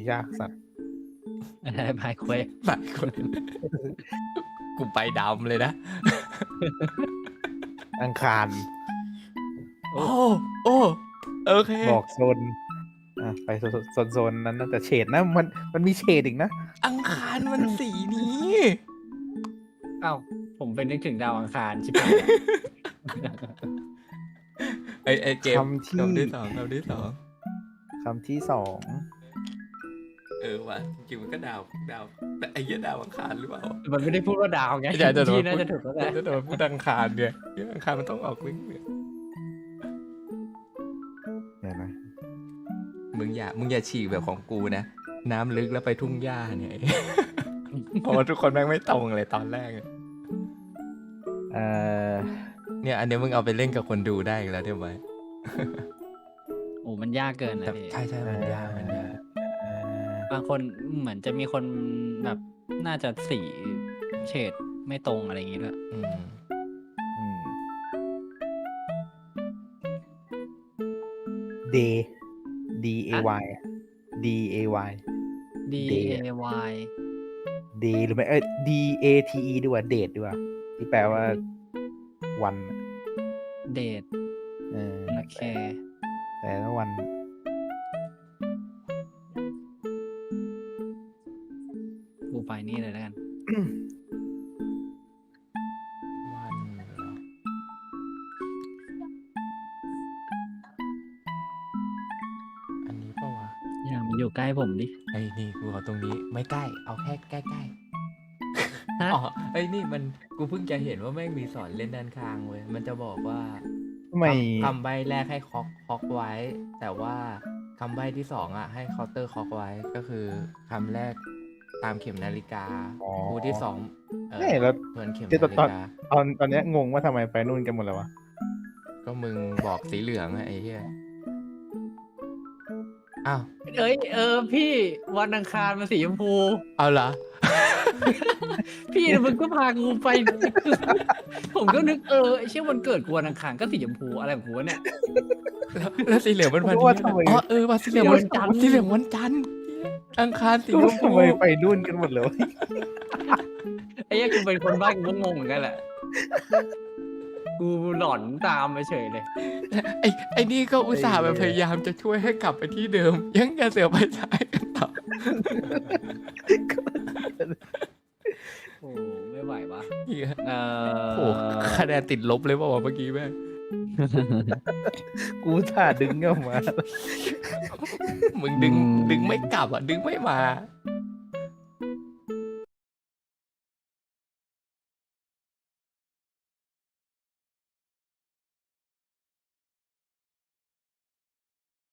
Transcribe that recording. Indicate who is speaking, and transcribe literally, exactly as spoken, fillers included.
Speaker 1: ยากสัตว์
Speaker 2: อะไรพายเควส
Speaker 3: บางคนกูไปดำเลยนะ
Speaker 1: อังคาร
Speaker 3: โอ้โอ้โอเค
Speaker 1: บอกโซนอ่ะไปโซนโซนโซนนั้นนะแต่เฉดนะมันมันมีเฉดอีกนะ
Speaker 3: อังคารมันสีนี้
Speaker 2: เอ้าผมเป็นนึกถึงดาวอังคารชิบหาย
Speaker 3: ไอไอเกม
Speaker 1: คำที่
Speaker 3: คำที่สองคำที่สอง
Speaker 1: คำที่สอง
Speaker 3: เออว่ะจริงๆมันก็ดาวดาวแต่ไอ้เหี้ยดาวอังคารหรือเปล่า
Speaker 2: มันไม่ได้พูดว่าดาวไง
Speaker 3: อย่าจะโดน
Speaker 2: ที่น่าจะถูกแล้วแหละ
Speaker 3: จะโดนพูดอังคารเนี่ยเหี้ยอังคารมันต้องออกวิ่งเนี่ย
Speaker 1: เดี๋ยวนะ
Speaker 3: มึงอย่ามึงอย่าฉีกแบบของกูนะน้ำลึกแล้วไปทุ่งหญ้าเนี่ย เพราะว่าทุกคนแม่งไม่ตรงเลยตอนแรก
Speaker 1: เอ่อ
Speaker 3: เนี่ยอันเนี้ยมึงเอาไปเล่นกับคนดูได้อีกแล้วเดี๋ยวไว้
Speaker 2: โอ้มันยากเกินนะ
Speaker 3: แต่
Speaker 2: พี่
Speaker 3: ใช่ใช่มันยากมันยาก
Speaker 1: เอ่อบ
Speaker 2: างคนเหมือนจะมีคนแบบน่าจะสีเฉดไม่ตรงอะไรอย่างงี้ด้วย
Speaker 3: อืม
Speaker 1: อืม day d a y d a y
Speaker 2: D
Speaker 1: Day
Speaker 2: A Y
Speaker 1: d หรือไม่เอ้ย d a t e ดีกว่า date ดีกว่าที่แปลว่าวัน
Speaker 2: เดท
Speaker 1: เออ
Speaker 2: โอเค
Speaker 1: แต่ละวัน
Speaker 2: กูไปนี่เลยแล้วกัน
Speaker 3: วันเหรออันนี้ปะวะ
Speaker 2: อย่ามันอยู่ใกล้ผมดิ
Speaker 3: ไอ้นี่กูเอาตรงนี้ไม่ใกล้เอาแค่ใกล้ใกล้
Speaker 2: ฮะ
Speaker 3: อ๋อไอ้นี่มันกูเพิ่งจะเห็นว่าแม่งมีสอนเล่นด้านข้างเว้ยมันจะบอกว่า
Speaker 1: ทำไม
Speaker 3: คำใบแรกให้คอกคอกไว้ แต่ว่าคำใบที่สองอ่ะให้เคาน์เตอร์คอกไว้ก็คือคำแรกตามเข็มนาฬิกา
Speaker 1: อ๋อ
Speaker 3: คู่ที่สองเออ
Speaker 1: นี่แล้ว
Speaker 3: เหมือนเข็ม
Speaker 1: เดี๋ยว
Speaker 3: นาฬิ
Speaker 1: ตอน
Speaker 3: กา
Speaker 1: ตอนตอนเนี้ยงงว่าทำไมไปนู่นกันหมดแล้ววะ
Speaker 3: ก็มึงบอกสีเหลืองอะไอ้เหี้ยอ้าว
Speaker 2: เอ้ยเออพี่วันอังคารมันสีชมพู
Speaker 3: เอาเหรอ
Speaker 2: พี่มึงก็พากูไป ผมก็นึกเออไอ้เชื่อวันเกิดกูวันอังคารก็สีชมพูอะไรของกูวะเนี่ย
Speaker 3: แล้วแล้วสีเหลืองมันวัน
Speaker 1: ผมว่า
Speaker 3: นี้
Speaker 1: ทำไม
Speaker 3: อ๋อเออว่าสีเหลืองวัน
Speaker 2: สีเหลืองวันจันทร์
Speaker 3: สีเหลืองวันจันทร์อังคารสี
Speaker 1: ก็
Speaker 3: ช
Speaker 1: ว่าม
Speaker 3: พู
Speaker 1: ทำไมไปนู่นกันหมดเลยวะ
Speaker 2: ไอ้เหี้ยกูเป็นคนบ้ากูก็งงเหมือนกันแหละ กูหลอนตามไปเฉยเลย
Speaker 3: ไอ้ไอ้นี่ก็อุตส่าห์แบบพยายามจะช่วยให้กลับไปที่เดิม ยังจะเสือกไปซ้ายกันต่อ
Speaker 2: โอ้ไม่ไหววะ
Speaker 3: เหี้ย
Speaker 2: เอ
Speaker 3: โอ้
Speaker 2: อ
Speaker 3: คะแนนติดลบเลยเปล่าวะเมื่อกี้แม่ง
Speaker 1: กูถ่าดึงออกมา
Speaker 3: มึงดึงดึงไม่กลับอ่ะดึงไม่มา